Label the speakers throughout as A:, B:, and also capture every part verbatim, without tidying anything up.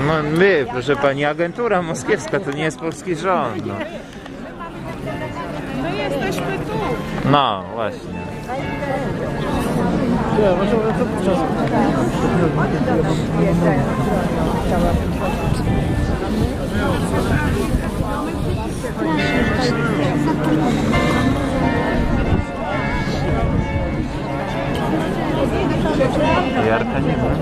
A: No my, proszę pani, agentura moskiewska, to nie jest polski rząd. No,
B: no jesteśmy tu.
A: no właśnie. Jarka nie ma.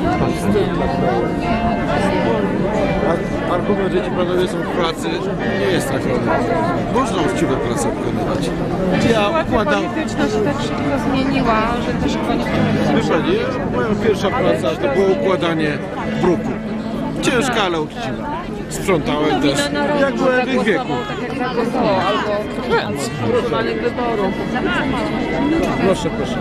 C: Argument, że ci panowie są w pracy, nie jest tak. Można uczciwe pracę wykonywać. Ja układam...
B: polityczna się tak szybko zmieniła, że też chyba nie powinno.
C: Wie pani, moja pierwsza praca to było układanie bruku. Ciężka, ale uczciwa. Sprzątałem też, jak byłem w ich wieku.
B: Tak jak zagłosował, albo
C: Więc,
B: normalnych wyborów.
C: proszę, proszę.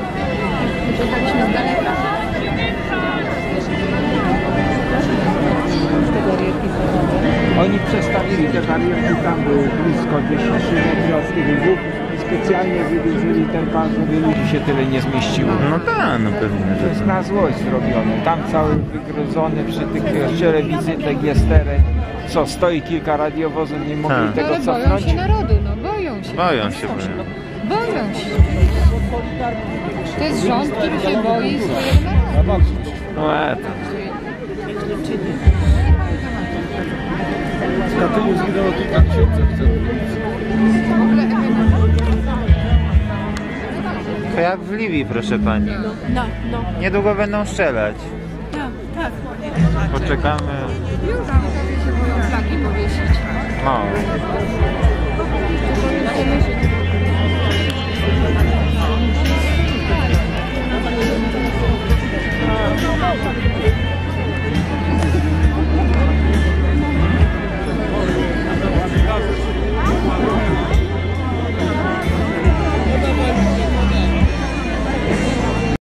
D: Oni przestawili te barierki, tam były blisko dziesięć metrów od tych wód i specjalnie wydłużyli ten pas, żeby ludzi się tyle nie zmieściło.
A: No tak, no pewnie.
D: To jest na złość zrobione. Tam cały wygryzony przy tych kościele wizytek jest teren. Co, stoi kilka radiowozów, nie mogli
A: Tak.
D: tego
B: Ale boją
D: cofnąć?
B: się narodu, no boją się.
A: Boją się, boją.
B: Boją się. To jest rząd, który się boi swojego narodu.
A: No e, to.
C: W Katyniu zginęło kilka tysięcy.
A: To jak w Libii, proszę pani.
B: No, no.
A: Niedługo będą strzelać.
B: Tak, tak.
A: Poczekamy.
B: Już tam się boją flagi powiesić.
A: No.